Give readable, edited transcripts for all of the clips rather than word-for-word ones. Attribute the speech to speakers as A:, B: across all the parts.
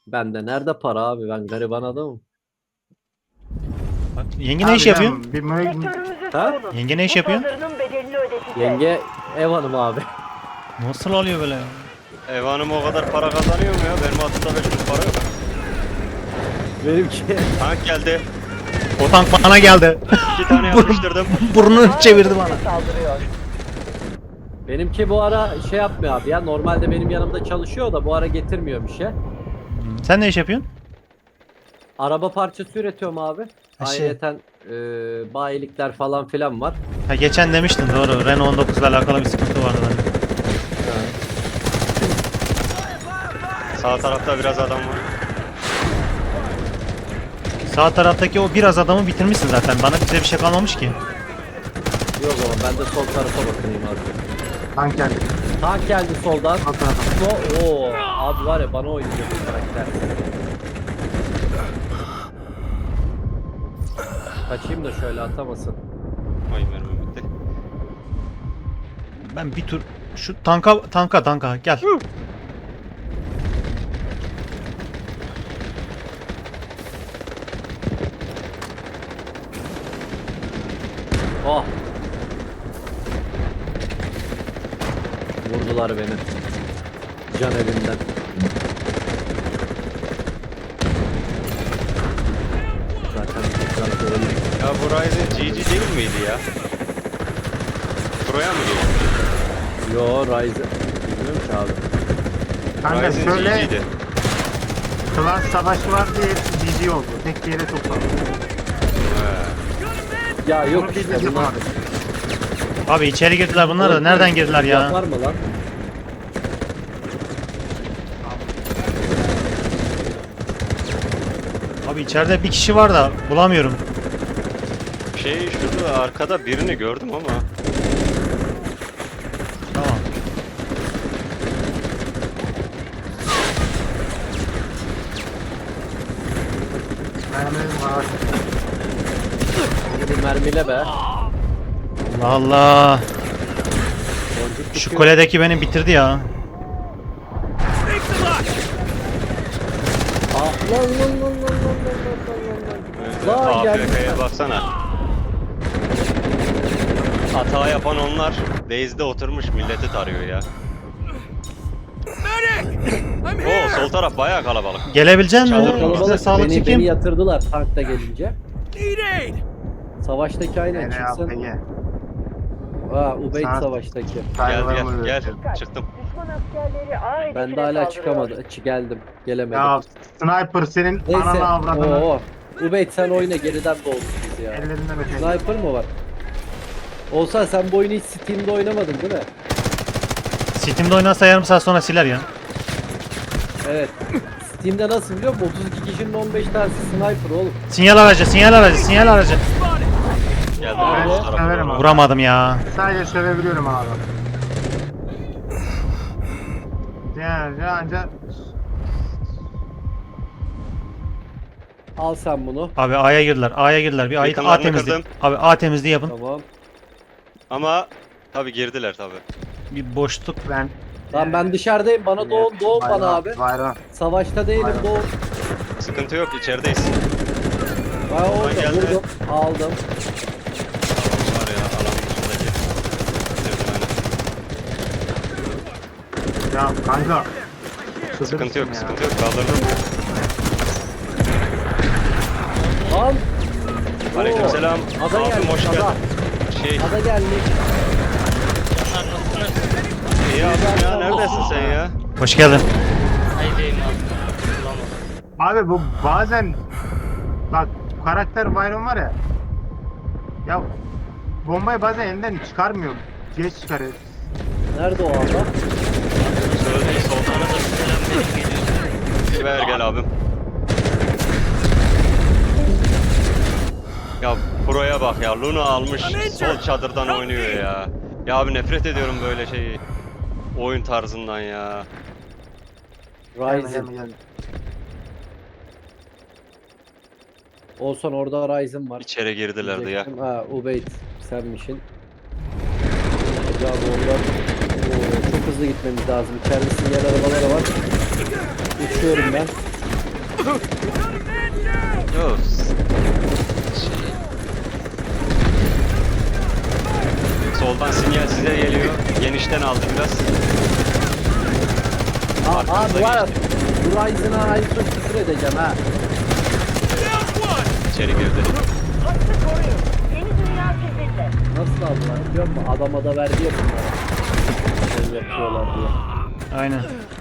A: Bende nerede para abi? Ben gariban adamım.
B: Yenge ne iş yapıyor?
C: Bir
D: Sektörümüzü
A: Ha?
D: savunun.
B: Yenge ne iş
D: Bu
B: yapıyor?
D: saldırının bedelini ödeteceğiz.
A: Yenge ev hanımı abi.
B: Nasıl oluyor böyle ya?
E: Ev hanımı o kadar para kazanıyor mu ya? Benim altımda 5 kuruş para yok.
A: Benimki
E: Tank geldi.
B: O tank bana geldi.
E: 2 tane yapıştırdım.
B: Burnunu çevirdi bana.
D: Saldırıyor.
A: benimki bu ara şey yapmıyor abi ya. Normalde benim yanımda çalışıyor da bu ara getirmiyor bir şey.
B: Sen ne iş yapıyorsun?
A: Araba parçası üretiyorum abi.
B: Ha, şey.
A: Ayrıyeten bayilikler falan filan var.
B: Ha, geçen demiştin doğru. Renault 19 ile alakalı bir sıkıntı vardı.
E: Sağ tarafta biraz adam var.
B: Sağ taraftaki o biraz adamı bitirmişsin zaten. Bana bize bir şey kalmamış ki.
A: Yok o zaman ben de sol tarafa bakayım abi.
C: tank geldi.
A: Tank geldi soldan.
C: Sol tarafa.
A: Oo, abi var ya bana oynuyor bu karakter. Kaçayım da şöyle atamasın.
E: Ay mermi bitti.
B: Ben bir tur şu tanka gel.
A: Oh. Vurdular beni. Can evinden. Zaten tekrar görelim.
E: Ya bu Ryzen GG değil miydi ya? Buraya mı geliyor?
A: Yo Ryzen. Bilmiyorum ki abi.
C: Kanka
E: Ryzen
C: şöyle
E: GG'di.
C: klas savaşı var diye hepsi GG oldu. Tek bir yere toplandı.
A: Ya yok
C: Bunu biz
A: işte
C: de
A: bunlar.
C: yapamadık.
B: Abi içeri girdiler bunlar da nereden girdiler ya?
A: Yapar mı lan?
B: Abi içeride bir kişi var da bulamıyorum.
E: Şurada arkada birini gördüm ama.
B: Tamam.
C: Mermilerim var.
A: Bir mermiyle be.
B: Allah Allah.
A: Boncuk
B: Şu
A: tutuyor.
B: kuledeki beni bitirdi ya.
A: Ah lan lan lan lan lan lan lan lan lan. Lan geldi.
E: AFK'ya baksana. Hata yapan onlar. Base'de oturmuş milleti tarıyor ya. Oo sol taraf bayağı kalabalık.
B: Gelebilecek misin?
E: Çadır
B: Bize
A: Kalabalık
B: sağlık
A: beni
B: çekeyim.
A: yatırdılar tankta gelince. Savaştaki aynen
C: Yani
A: çıksın.
C: APG.
A: Ha Ubeyd
C: Saat-
A: savaştaki.
E: Gel
C: Saygılarımı
E: gel
C: iletiyorum.
E: çıktım.
D: Düşman askerleri aynı
A: Ben de hala çıkamadım. Geldim. Gelemedim.
C: Ya sniper senin
A: Neyse.
C: ananı avradını
A: Oo. Ubeyd sen oyna geriden doğduk biz ya.
C: ellerinden öpeyim.
A: Sniper mı var? Olsa sen bu oyunu hiç Steam'de oynamadın değil mi?
B: Steam'de oynarsa yarım saat sonra siler ya.
A: Evet. Steam'de nasıl biliyor musun? 32 kişinin 15 tanesi sniper oğlum.
B: Sinyal aracı, sinyal aracı, sinyal aracı.
E: Geldim
C: Ben
E: bu tarafa
C: severim
E: doğru.
C: abi.
B: Vuramadım ya.
C: Sadece sövebiliyorum abi. Yani anca
A: Al sen bunu.
B: Abi A'ya girdiler, A'ya girdiler. Bir A
E: Yakınlarını
B: temizliği.
E: kırdım.
B: Abi A temizliği yapın.
A: Tamam.
E: Ama tabi girdiler tabi.
B: Bir boşluk.
C: ben
A: Tamam ben dışarıdayım. Bana doğun bana abi.
C: Bayram.
A: Savaşta değilim
C: Aynen.
A: doğun.
E: Sıkıntı yok içerideyiz.
A: Ben orada
E: geldi.
A: vurdum. Aldım.
E: Var ya alanın dışındaki. Bitirdim aynen.
C: Ya kanka.
E: Sıkıntı yok
C: ya.
E: sıkıntı yok kaldırdım.
A: Lan.
E: Aleykümselam.
A: Ada
E: Abim
A: geldi.
E: hoş
A: Ada.
E: geldin.
A: Ada geldi.
E: İyi abim ya neredesin sen ya?
B: Hoş geldin.
C: Abi bu bazen bak karakter Byron var ya. Ya bombayı bazen elinden çıkarmıyor. Geç çıkarıyor.
A: Nerede o ada?
E: Söyleyin soltana da ver gel abim. Ya Pro'ya bak ya Luna almış sol çadırdan oynuyor ya. Ya abi nefret ediyorum böyle şeyi. Oyun tarzından ya.
A: Ryzen. Olsan orada Ryzen var.
E: İçeri girdilerdi ya.
A: Diyecektim. Ha Ubeyd senmişin. Acaba onlar çok hızlı gitmemiz lazım. İçeride sinyal arabaları var. Uçuyorum ben.
E: Yok. Soldan sinyal size geliyor. Genişten aldı biraz.
A: Abi var ya, bu Ryzen'a ait çok küfür edeceğim ha.
E: İçeri girdi.
D: Hattı koruyun. Yeni dünya sizinle.
A: Nasıl aldılar biliyor musun? Adama da verdi ya bunlara. Şey yapıyorlar diye.
B: Aynen.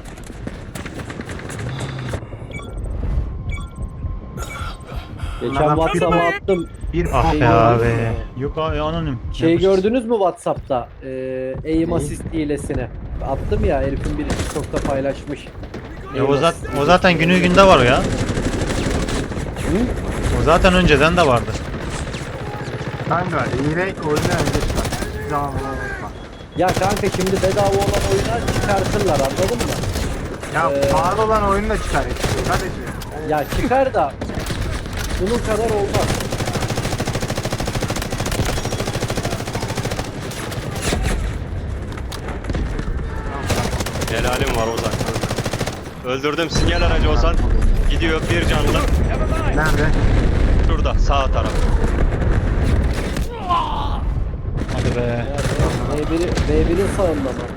A: Geçen
C: Bunlardan
A: WhatsApp'a
C: bir-
A: attım.
C: Bir
B: Ah
A: Şey
B: be
A: gördünüz
B: abi.
A: mü?
B: Yok abi anonim.
A: Şey
B: Yapıştır.
A: gördünüz mü WhatsApp'ta? Aim
C: Neyi?
A: assist hilesini. Attım ya, herifin biri TikTok'ta paylaşmış.
B: Ya o zaten günü günde var o ya.
A: Hı?
B: O zaten önceden de vardı.
C: Kanka hile oyundan önce çıkar. Hiçbir zaman buna unutma.
A: Ya kanka şimdi bedava olan oyunlar çıkartırlar, anladın mı?
C: Ya pahalı olan oyunu da çıkar. Kardeşim.
A: Ya çıkar da bunun kadar olmaz.
E: Helalim var Ozan. Öldürdüm sinyal aracı Ozan. Gidiyor bir canlı.
C: Nerede?
E: Şurada sağ taraf.
B: Hadi be.
A: Ya, B1'in sağında mı?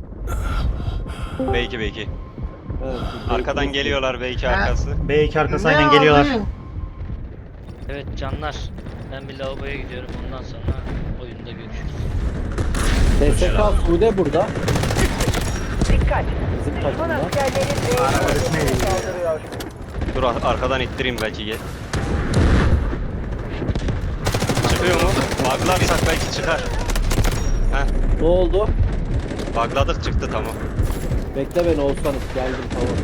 E: B2 B2.
A: Evet,
E: Arkadan geliyorlar B2 arkası.
B: B2 arkası
C: Ne
B: aynen geliyorlar.
C: abi?
F: Evet canlar. Ben bir lavaboya gidiyorum. Ondan sonra oyunda görüşürüz.
A: TSK Sude burada.
D: Dikkat.
A: Bizim
D: Düşman
A: takımda.
D: askerleri B'nin
C: Arabasına
D: ötesine
C: eğiliyor.
D: saldırıyor.
E: Dur arkadan ittireyim belki gel. Çıkıyor mu? Buglarsak belki çıkar. Heh,
A: Ne oldu?
E: bugladık çıktı tamam.
A: Bekle beni olsanız, geldim tamam.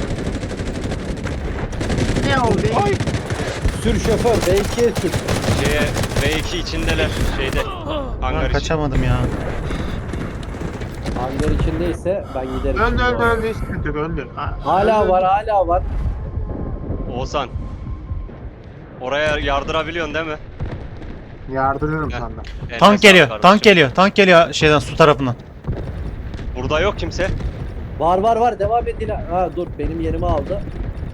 C: Ne oldu? Ay.
A: Sür şoför, B2'ye sür.
E: Şeye B2 içindeler şeyde. Hangar
B: Lan
E: için.
B: kaçamadım ya.
A: Hangar içindeyse ben giderim.
C: Öldü
A: şimdi
C: öldü
A: oraya.
C: öldü. Hiç sıkıntı yok öldü.
A: Hala
C: Öldü.
A: var, hala var.
E: Oğuzhan. Oraya yardırabiliyorsun değil mi?
C: Yardırıyorum
E: Heh.
C: sana.
E: Eline
B: Tank
E: sağlık
B: geliyor.
E: kardeşim.
B: Tank geliyor. Tank geliyor şeyden su tarafından.
E: Burada yok kimse.
A: Var, devam edin. Ha dur, benim yerimi aldı.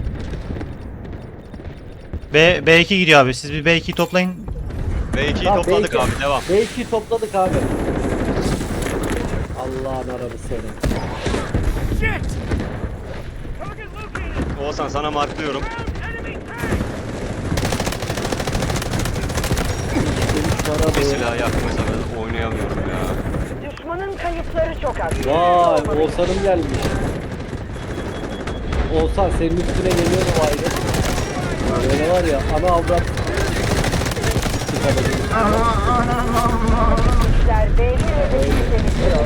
B: B2 gidiyor abi. Siz bir B2'yi toplayın.
E: B2'yi
A: Tamam,
E: topladık
A: B2.
E: abi devam.
A: B2'yi topladık abi. Allah'ın arabı senin.
E: Oğuzhan sana marklıyorum.
A: Bana
E: Bir
A: doğru.
E: silah yakmasa ben oynayamıyorum ya.
D: Düşmanın kayıpları çok az.
A: Vay, Oğuzhan'ım gelmiş. Oğuzhan senin üstüne geliyor mu ayrı? Böyle var ya, ana avrat.
D: İşler B'nin ötesini temizliyor.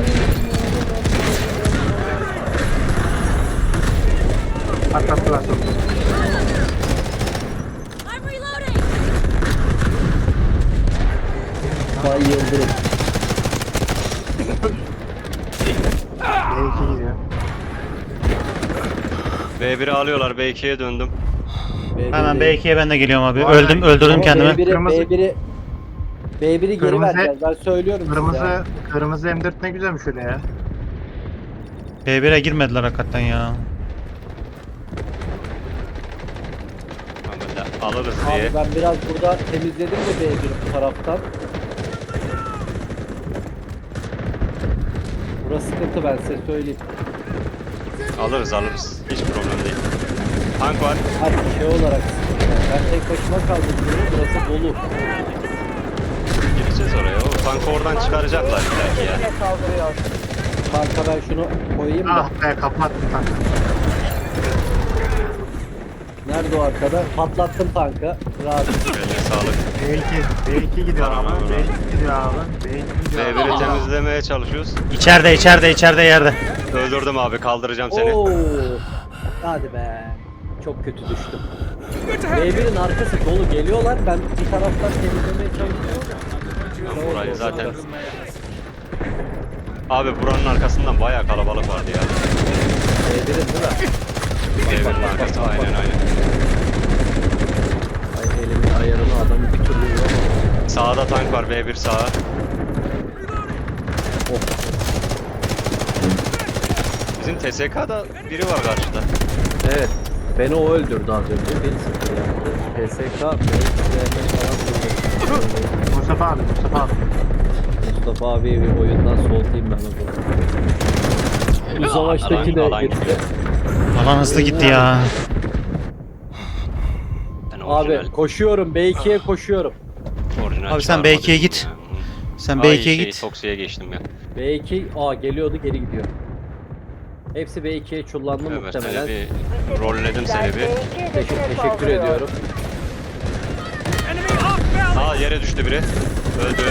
C: Atlattılar.
G: I'm reloading!
A: Bay Yıldırım.
C: B2 gidiyor.
E: B1'i alıyorlar B2'ye döndüm.
B: Hemen B2'ye ben de geliyorum abi.
C: Bu arada-
B: Öldürdüm kendimi.
A: B1'i geri
C: Kırmızı-
A: vereceğiz. Ben söylüyorum size. ya.
C: Kırmızı M4 ne güzelmiş öyle ya.
B: B1'e girmediler hakikaten ya.
E: Abi alırız diye.
A: Abi ben biraz burada temizledim de B1'i bu taraftan. Burası sıkıntı, ben size söyleyeyim.
E: Alırız. Hiç problem değil. Tank var.
A: Hadi şey olarak sıkıntı. Ben tek başıma kaldım diyorum. Burası dolu.
E: Gireceğiz oraya. O tankı oradan çıkaracaklar belki ya.
D: Ötesine saldırıyor.
A: Kanka ben şunu koyayım da.
C: Ah be kapattım tankı.
A: Nerede o arkada? Patlattım tankı. Rahat.
E: Eline sağlık.
C: B2 gidiyor abi.
E: Tamam,
C: B2 gidiyor abi. B2 gidiyor abi.
E: B1'i temizlemeye çalışıyoruz.
B: İçeride yerde.
E: Öldürdüm abi kaldıracağım seni.
A: Oo. Hadi be. Çok kötü düştüm. B1'in arkası dolu, geliyorlar. Ben bir taraftan temizlemeye çalışıyorum.
E: Ben burayı zaten... Abi buranın arkasından bayağı kalabalık vardı ya.
A: B1'in değil mi?
E: B1'in arkası aynen.
A: Ay elimin ayarını adamı bir türlü yapamadım.
E: Sağda tank var B1 sağa.
A: Of.
E: Bizim TSK'da biri var karşıda.
A: Evet. Beni o öldürdü az önce. Beni sıktı yaptı. PSK falan vurdu.
C: Mustafa abi.
A: Mustafa abi bir oyundan soğutayım ben o zaman. Bu savaştaki de
E: Alan
A: gitti.
B: Alan hızlı gitti ya.
E: Ben
A: Abi
E: orijinal-
A: koşuyorum. B2'ye koşuyorum.
E: orijinal
B: Abi sen
E: çıkarmadım.
B: B2'ye git. Sen
E: Ay,
B: B2'ye git.
E: Toksi'ye geçtim ya.
A: B2 geliyordu geri gidiyor. Hepsi B2'ye çullandı
E: Evet
A: muhtemelen.
E: seni bir rolledim seni bir.
A: Teşekkür ediyorum.
E: Aa yere düştü biri. Öldü.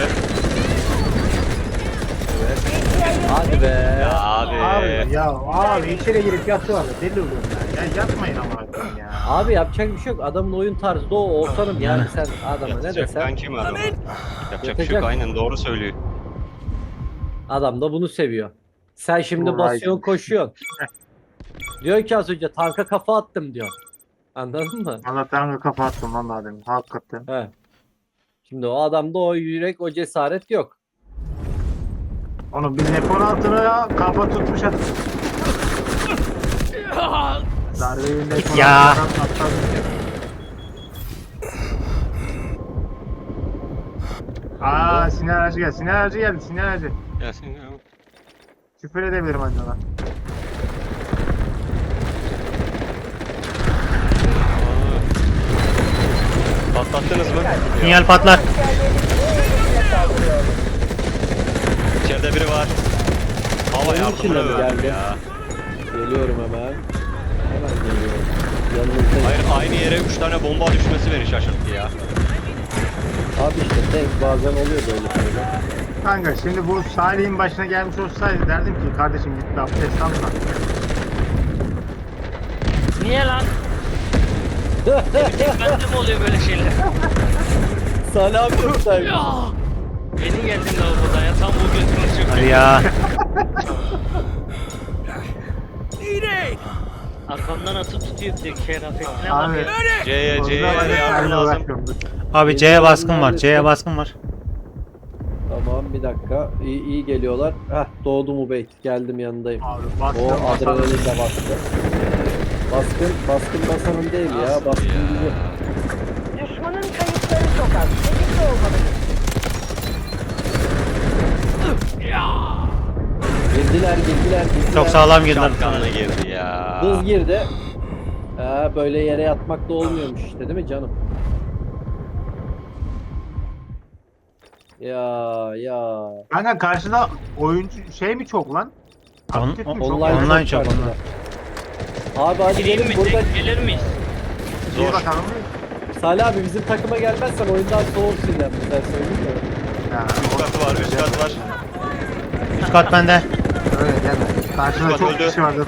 A: Hadi be.
E: Ya abi.
C: Abi içeri girip yatıyorlar. Deli oluyorum ya. Ya yatmayın ama ya.
A: Abi yapacak bir şey yok. Adamın oyun tarzı da o. Ortanım yani sen adama ne
E: Yatacak
A: desen.
E: ben kim adamı? Yapacak bir şey
A: Yatacak.
E: yok aynen doğru söylüyor.
A: Adam da bunu seviyor. Sen şimdi
C: Right.
A: basıyorsun koşuyorsun. Diyor ki az önce tanka kafa attım diyor. Anladın mı?
C: Valla tanrı kafa attım lan daha demin. Hakikaten.
A: He. Şimdi o adamda o yürek o cesaret yok.
C: Onu bir nepon altına kafa tutmuş at. Darbeyi nepon
B: Ya.
C: altına atladı. Sinan Aracı geldi. Sinan Aracı geldi. Sinan Aracı.
E: Gelsin ya.
C: Küfür edebilirim acaba.
E: Aa. Patlattınız mı?
B: Sinyal patlar.
E: İçeride biri var. Hava
A: Onun
E: yardımına
A: içinde mi
E: öldüm
A: geldi?
E: ya.
A: Geliyorum hemen. Hemen geliyorum. Yanınızdayım.
E: Hayır aynı yere 3 tane bomba düşmesi beni şaşırttı ya.
A: Abi işte tank bazen oluyor böyle şeyler.
C: Kanka şimdi bu Salih'in başına gelmiş olsaydı derdim ki kardeşim git bir abdest alma.
F: Niye lan? Bende mi oluyor böyle şeyler?
A: Salih abi yoktaymış.
F: Beni geldin lavabodan ya tam bu götürünü çok.
B: Hadi ya.
F: Arkamdan atıp tutuyor bir de kıyafetine
C: Abi.
F: bak ya.
E: C'ye yardım lazım.
B: Abi C'ye baskın var. C'ye baskın var.
A: Tamam bir dakika. İyi geliyorlar. Heh doğdu mu beyt. Geldim yanındayım.
C: Abi
A: O
C: bastım
A: adrenalin de bastı. Baskın basanın değil ya.
E: Nasıl
A: Baskın
E: ya?
A: gibi.
D: Düşmanın kayıpları çok az. Tetikte olmalıyız.
A: Girdiler.
B: Çok sağlam girdiler.
E: Şapkanla girdi ya.
A: Hız girdi. Böyle yere yatmak da olmuyormuş işte değil mi canım? Ya.
C: Kanka karşıda oyuncu şey mi çok lan?
B: On-
C: Aktif mi çok?
B: Online çok,
A: karşıda. Abi hadi
F: Gireyim
A: gelin
F: mi?
A: burada.
F: Tek gelir miyiz?
C: Bir
E: Zor.
C: bakalım.
A: Salih abi bizim takıma gelmezsen oyundan soğursun yani. Ben söyleyeyim mi?
C: Ya,
E: Üst katı var, üst katı var.
B: Üst kat bende.
C: öyle deme. Karşıda
E: Bak,
C: çok
E: öldü.
C: kişi var dedi.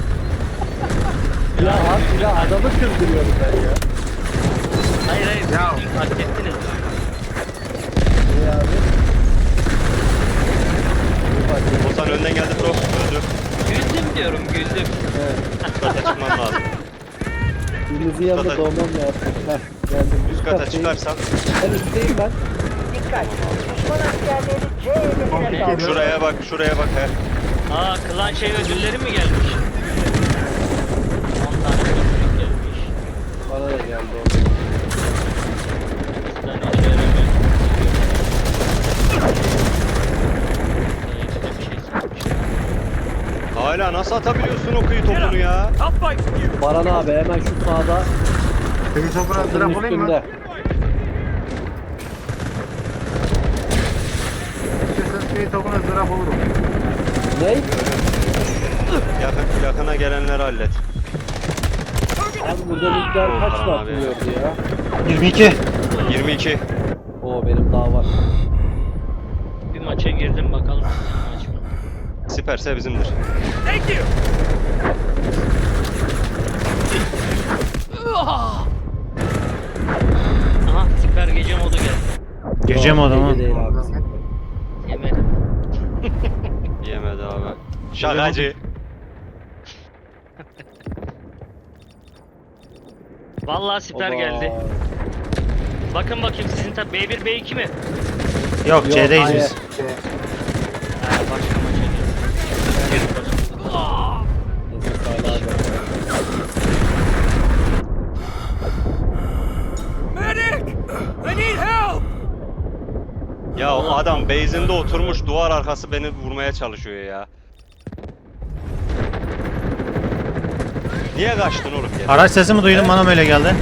A: Ya adamı kızdırıyorum ben ya.
F: Hayır
C: Ya.
F: fark ettiniz.
A: Ne abi?
E: Ozan önden geldi pro. Öldü.
F: Güldüm diyorum güldüm.
A: Evet.
E: Üst kata çıkmam lazım.
A: Birinizin yanında
E: kata-
A: doğmam lazım. Heh, geldim.
E: Üst kata
A: kattayım.
E: çıkarsam
A: Ben üstteyim ben.
D: Dikkat. Düşman askerleri C hedefine
C: Tamam.
D: saldırıyor.
E: şuraya bak he.
F: Aa klan şey ödülleri mi gelmiş? 10 tane ödül gelmiş.
A: Bana da geldi o.
F: 100 tane işe yaramıyor. Bir şey sanmıştım.
E: Hala nasıl atabiliyorsun o kıyı topunu ya?
A: Baran abi hemen şu sağda.
C: Peki topuna
A: Bunun
C: drop olayım mı?
A: üstünde.
C: İstiyorsanız peki topuna drop olurum.
A: Ne?
E: Yakına gelenleri hallet.
A: Abi burada ligler kaç
E: Baran
A: mı
E: abi.
A: atılıyordu ya?
B: 22.
E: 22.
A: Oo benim daha var.
F: Bir maça girdim bakalım sizin maç mı?
E: Siperse bizimdir.
F: Aha süper gece modu geldi.
B: Gece modu mu?
A: Gece değil abi.
F: Yemedim.
E: Yemedi abi. Şakacı.
F: Vallahi süper
A: Oba.
F: geldi. Bakın bakayım sizin tabi B1 B2 mi?
B: Yok
A: Yok,
B: C'deyiz
A: hayır.
B: biz.
F: Ha başka maça girdim.
A: Neyse Salih abi.
E: Adam base'inde oturmuş duvar arkası beni vurmaya çalışıyor ya. Niye kaçtın oğlum geri?
B: Araç sesi mi duydum? Bana mı öyle geldi?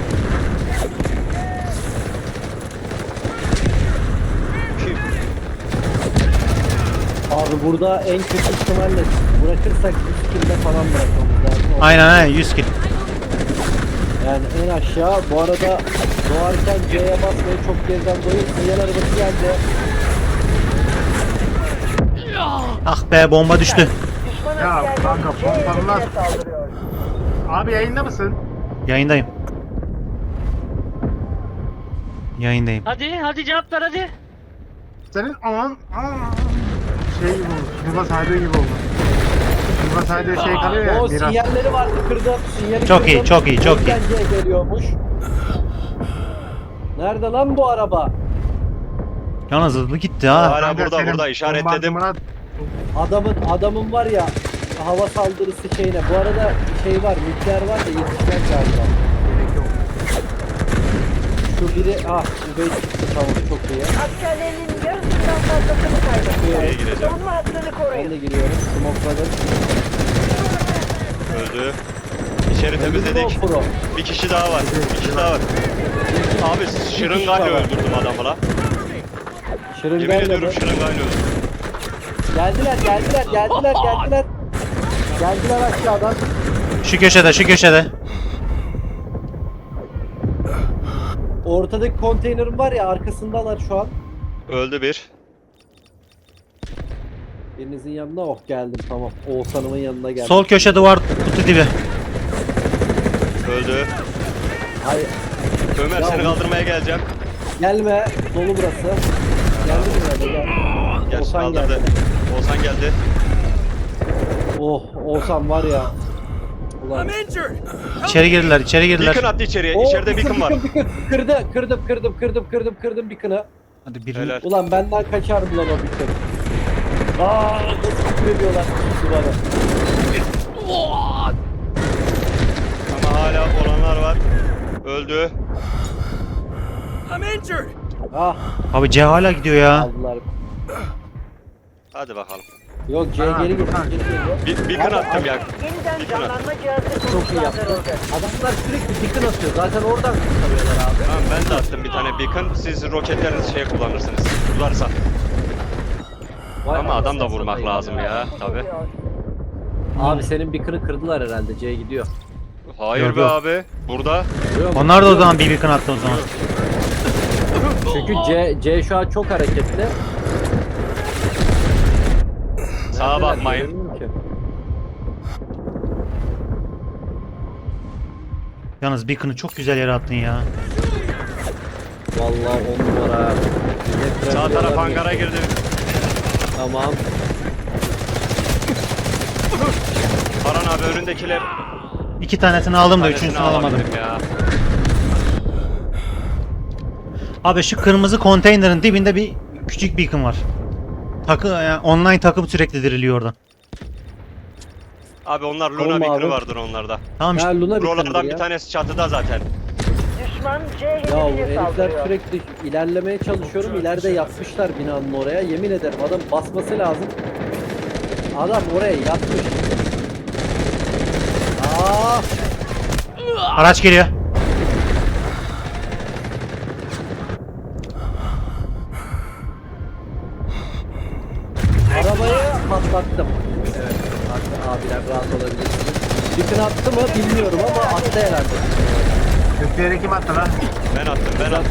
A: Abi burada en kötü ihtimalle bırakırsak 100 kill'de falan bırakmamız lazım.
B: Aynen 100 kill.
A: Yani en aşağı bu arada doğarken C'ye basmayı çok geriden dolayı sinyal arabası geldi.
B: Ah be bomba düştü.
D: Düşman
C: Ya
D: askerleri
C: kanka,
D: C
C: pompalılar.
D: hedefine saldırıyor.
C: Abi yayında mısın?
B: Yayındayım. Yayındayım.
F: Hadi cevap ver hadi.
C: Senin aman şey gibi oldu. Yuva saydığı gibi oldu. Yuva saydığı şey kalıyor ya.
A: O
C: Biraz.
A: sinyalleri vardı kırdım. Sinyali
B: Çok iyi,
A: kırdım.
B: çok iyi, çok iyi.
A: Oradan C geliyormuş. Nerede lan bu araba?
B: Yalnız hızlı gitti ha.
E: Hala
C: Kanka,
E: burada
C: senin
E: burada işaretledim.
C: bombardımana-
A: Adamın var ya hava saldırısı şeyine. Bu arada şey var, nükleer var da yetişmez galiba. Şu biri bu bey çıktı, tamam çok iyi.
D: Askerlerinin yarısından fazlasını kaybettiler.
E: Nereye gireceğim?
D: Savunma hattını
A: Ben
D: koruyun.
A: de giriyorum. Smokladım.
E: Öldü. İçeri temizledik.
A: Pro.
E: Bir kişi daha var. Bir kişi daha var. Abi şırıngayla öldürdüm adamı la. Yemin
A: Şırıngayla
E: ediyorum
A: mı?
E: şırıngayla öldürdüm.
A: Geldiler. Geldiler aşağıdan.
B: Şu köşede, şu köşede.
A: Ortadaki konteynerin var ya arkasındalar şu an.
E: Öldü bir.
A: Birinizin yanına geldim tamam. Oğuzhan'ımın yanına geldim.
B: Sol köşe duvar kutu dibi.
E: Öldü.
A: Hayır
E: Ömer
A: Ya
E: seni
A: bu-
E: kaldırmaya geleceğim.
A: gelme. Dolu burası. Geldi mi gel.
E: Gel
A: Oğuzhan
E: kaldırdı.
A: geldi.
E: Oğuzhan geldi.
A: Oh Oğuzhan var ya. Ulan.
B: İçeri girdiler, içeri girdiler.
E: Beacon attı içeriye.
A: Oo,
E: İçeride beacon var.
A: Kırdım beacon'ı.
B: Hadi bir
E: Helal.
A: Ulan benden kaçar mı lan o beacon? Nasıl küfür ediyorlar duvara.
E: Ama hala olanlar var. Öldü.
A: Ah
B: Abi C hala gidiyor ya.
A: aldılar.
E: Hadi bakalım.
A: Yok C geri gidiyor.
E: Beacon attım ya.
D: Yeniden
E: Beacon attım.
D: canlanma cihazı
A: Çok iyi yaptı.
D: konuşlandırıldı.
A: Adamlar sürekli beacon atıyor. Zaten oradan kurtarıyorlar abi.
E: Tamam ben de attım bir tane beacon. Siz roketlerinizi şey kullanırsınız. Varsa.
A: Vay
E: Ama adam da
A: anasını
E: vurmak
A: satayım
E: lazım ya. Tabi.
A: Abi senin beacon'ı kırdılar herhalde. C gidiyor.
E: Hayır
B: Yok,
E: be
B: yok.
E: abi. Burada.
A: Görüyor musun?
B: Onlar da o zaman bir beacon attı o zaman.
A: Çünkü C şu an çok hareketli.
E: Sağa
A: Neredeler
E: bakmayın.
A: bilmiyorum ki.
B: Yalnız beacon'ı çok güzel yere attın ya.
A: Vallahi 10 numara. Millet
E: Sağ
A: diyorlar
E: taraf
A: mı?
E: hangara girdi.
A: Tamam.
E: Baran abi önündekiler.
B: 2 tanesini aldım da
E: Tanesini
B: üçüncüsünü alamadım.
E: alabildim ya.
B: Abi şu kırmızı konteynerin dibinde bir küçük beacon var. Yani online takım sürekli diriliyor oradan.
E: Abi onlar Luna
A: Tamam
E: beacon'ı
A: abi.
E: vardır onlarda.
B: Tamam işte.
A: Ha Luna beacon'dır
E: Buralardan
A: ya.
E: bir tanesi çatıda zaten.
D: Düşman C
A: Ya bu
D: hedefine
A: herifler
D: saldırıyor.
A: sürekli ilerlemeye çalışıyorum. İleride yatmışlar binanın oraya. Yemin ederim adam basması lazım. Adam oraya yatmış. Aa,
B: Araç geliyor.
A: arabayı patlattım. Evet. Abiler rahat olabilirsiniz. Beacon attı mı bilmiyorum ama attı herhalde.
C: Köprüye kim attı lan?
E: Ben attım.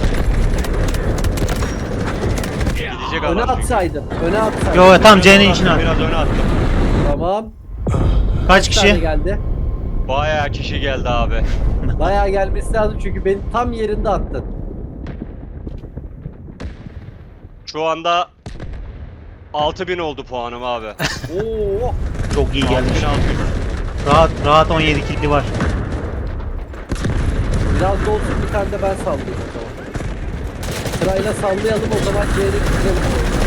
E: Gidecek
A: Öne
E: adam çünkü.
A: atsaydın. Öne atsaydın.
B: Yo tam C'nin içine at.
E: Biraz öne attım.
A: Tamam.
B: Kaç
A: tane
B: kişi?
A: geldi?
E: Bayağı kişi geldi abi.
A: Bayağı gelmesi lazım çünkü beni tam yerinde attın.
E: Şu anda 6000 oldu puanım abi.
A: Oo.
B: Çok iyi gelmiş.
E: 6600.
B: Rahat 17 killi var.
A: Biraz da olsun bir tane de ben sallayayım o zaman. Sırayla sallayalım o zaman C'ye gidelim.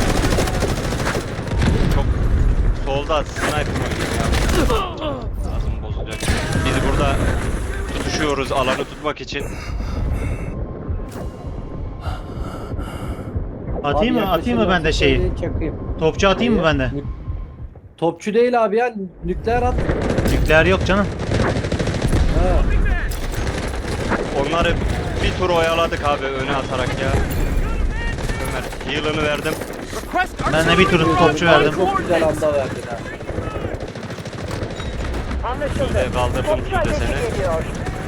E: Çok solda sniper oynuyor ya. Ağzım bozulacak. Biz burada tutuşuyoruz alanı tutmak için.
B: Atayım
A: Abi
B: mı? Atayım mı ben de
A: yaklaşırlarsa
B: şeyi?
A: söyleyin, çakayım.
B: Topçu atayım mı ben de?
A: Topçu değil abi ya. Nükleer at.
B: Nükleer yok canım.
A: Ha.
E: Onları bir tur oyaladık abi öne atarak ya. Ömer heal'ını verdim.
B: Ben de bir tur topçu verdim.
A: Çok güzel anda verdin ha.
D: Anlaşıldı.
E: Şuraya kaldırdım
D: Topçu
E: bir de
D: ateşi
E: seni.
D: geliyor.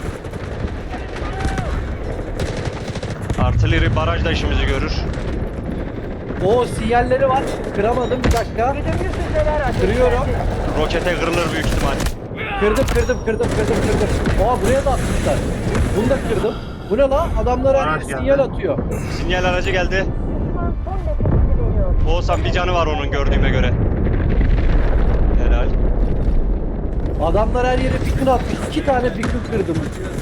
E: Artilleri baraj da işimizi görür.
A: O sinyalleri var. Kıramadım bir dakika.
D: Güdümlü füzeler ateşlendi.
A: Kırıyorum.
E: Rokete kırılır büyük ihtimal.
A: Kırdım. Aa buraya da atmışlar. Bunu da kırdım. Bu ne lan? Adamlar her
C: Araç
A: yere sinyal
C: geldi.
A: atıyor.
E: Sinyal aracı geldi.
D: Düşman son nefesini veriyor.
E: Oğuzhan bir canı var onun gördüğüme göre. Helal.
A: Adamlar her yere beacon atmış. 2 tane beacon kırdım.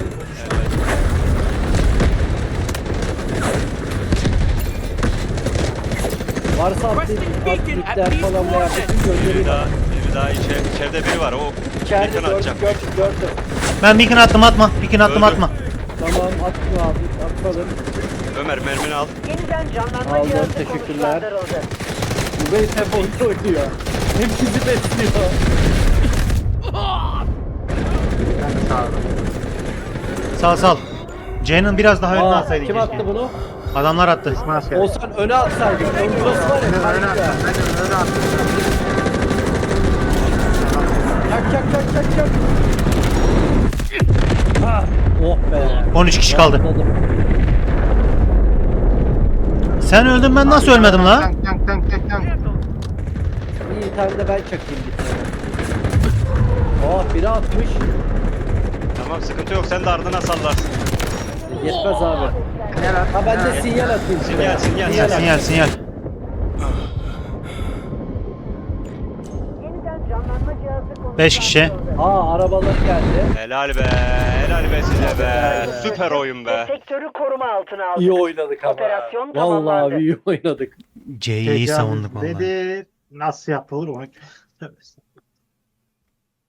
A: Varsa atlayıp nükleer falan veya bütün
E: Biri
A: göndereyim.
E: daha içeride biri var. O
A: İçeride
E: beacon atacak.
A: gördüm.
B: Ben beacon attım atma. Beacon attım
E: Öldü.
B: atma.
A: Tamam atma abi. Atmadım.
E: Ömer mermini al.
D: Yeniden canlanma
A: Aldım,
D: cihazı
A: teşekkürler.
D: konuşlandırıldı.
A: Bu bey hep oyun oynuyor. Hep bizi besliyor.
C: Ben de sağ olun.
B: Sal. C'nin biraz daha önüne
A: Aa,
B: atsaydın
A: kim
B: keşke.
A: attı bunu?
B: Adamlar attı.
C: Düşman askeri.
A: Olsan öne atsaydık. Ön burası var
C: Ben de
A: ya.
C: öne
A: kanka.
C: attım. Ben de öne attım.
A: Çak. Ah, oh be.
B: 13 kişi kaldı.
A: Rahatladım.
B: Sen öldün ben nasıl ölmedim la?
C: Tank.
A: İyi tane de ben çakayım bir tane. Oh biri atmış.
E: Tamam sıkıntı yok sen de ardına sallarsın.
A: Yetmez abi.
C: Sinyal at.
A: Ha ben de sinyal atayım.
E: Sinyal.
B: Sinyal.
D: Yeniden canlanma cihazı konuşlandırıldı.
B: 5 kişi.
A: Aa arabalar geldi.
E: Helal be size be. Süper oyun be.
D: Sektörü koruma altına aldı.
A: İyi oynadık ama.
D: Operasyon
A: Vallahi
D: tamamlandı.
A: abi iyi oynadık.
B: C'yi iyi savunduk vallahi.
C: Dedi nasıl yapılır onu. Tövbe estağfurullah.